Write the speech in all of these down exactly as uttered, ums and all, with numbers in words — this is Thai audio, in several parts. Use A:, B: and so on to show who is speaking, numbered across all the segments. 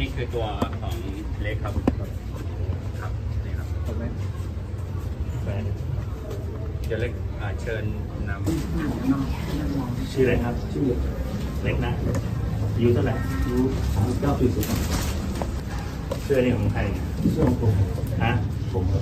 A: นี่คือตัวของเล็กครับครับนี่ครับถูกไหมเดี๋ยวเล็กเชิญนำ
B: ชื่ออะไรครับชื่อเล็กนะอายุเท่าไหร่อายุสามสิบเก้าปีสุดเสื้อนี่ของใครเสื้อของผมฮะผมครับ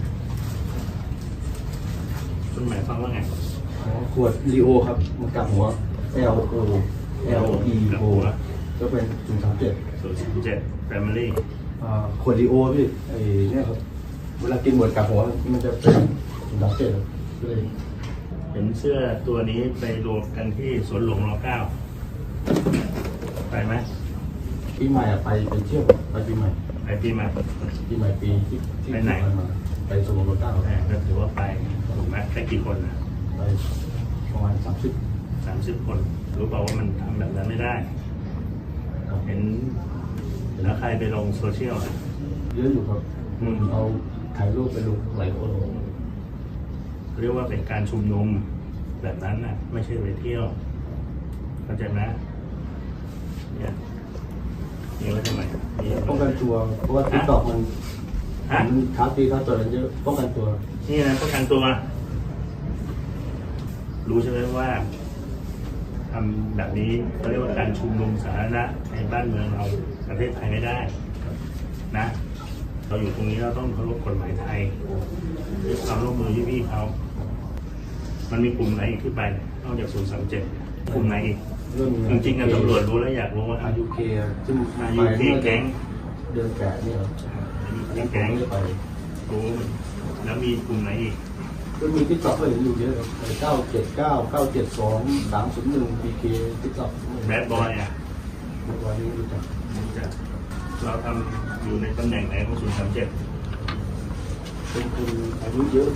B: คุณหมายความว่าไง
C: ขวดลีโอครับมันกลับหัว L O L E O ก็เป็นศูนย์สามเจ็ด
B: ศูนย์สามเจ็ด Family
C: ขวดลีโอพี่ไอ้เนี่ยครับเวลากินหมดกลับหัวมันจะเป็นศูนย์สามเจ็ดครับเลย
B: เห็นเสื้อตัวนี้ไปรวมกันที่สวนหลวงรเก้าไปไหม
C: ปีใหม่ไปไปเที่ยวไปปีใหม่
B: ไปปีใหม่
C: ปีใหม่ปีที่ที่
B: ไปไหน
C: มาไปสวนหลวงรเก้า
B: ก็ถือว่าไปถูกไหมแค่กี่คนนะ
C: ไปประมาณสามสิบ
B: สามสิบคนรู้เปล่าว่ามันทำแบบนั้นไม่ได้เห็นแล้วใครไปลงโซเชียลอ่ะ
C: เยอะอยู่ครับเอาถ่ายรูปไปลงหลายคน
B: เรียกว่าเป็นการชุมนุมแบบนั้นน่ะไม่ใช่ไปเที่ยวเข้าใจไหมเนี่ยนี่ว่าทำไม
C: ป้องกันตัวเพราะว่าติ๊กต็อกมันมันท้าตีท้าต่อยเยอะป้องกันตัว
B: นี่นะป้องกันตัวรู้ใช่ไหมว่าทำแบบนี้เขาเรียกว่าการชุมนุมสาธารณะในบ้านเมืองเราประเทศไทยไม่ได้นะเราอยู่ตรงนี้เราต้องเคารพกฎหมายไทยด้วยความร่วมมือพี่ๆเขามันมีกลุ่มไหนอีกที่ไปนอกจากศูนย์สามเจ็ดกลุ่มไหนอีกจริงๆกันตำรวจรู้แล้วอยากรู้ว่า
C: อายุเคซึ่ง
B: อายุเคแก๊ง
C: เดินแกะนี่เหรอ
B: แก๊งไปรู้แล้วมีกลุ่มไหนอีก
C: ก็มีติ๊กต็อกเลยอยู่เยอะเก้าเจ็ดเก้าเก้าเจ็ดสองสามศูนย์หนึ่งพีเคติ๊กต็อก
B: แบดบอยอ่ะ
C: แบดบอยนี่รู้จัก
B: รู้จักเราทำอยู่ในตำแหน่งไหนของศูนย์สามเจ็ด
C: เป็นคนอายุเยอะ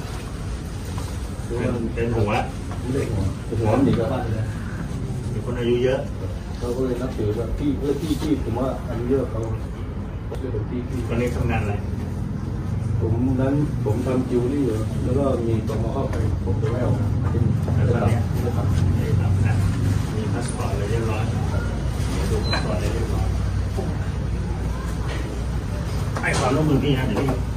B: เป็นหัว
C: ไม่ได้หัวหัวมันดีกว่าบ้านเลย
B: เป็นคนอายุเยอะ
C: เขาก็เลยนับถือว่าพี่เพื่อพี่ที่ผมว่าอายุเยอะเขาเรียกเป็นพี่พี่
B: ตอนนี้ทำงานอะไร
C: ผมนั้นผมทำจิวเวลรี่อยู่แล้วก็มีตมเข้าไปผมจะไม่เอาเป็น
B: ตอนนี้ไม่ทำไม่ทำนะมีพาสปอร์ตอะไรเรียบร้อยดูพาสปอร์ตอะไรเรียบร้อยให้ความร่วมมือพี่นะเดี๋ยวพี่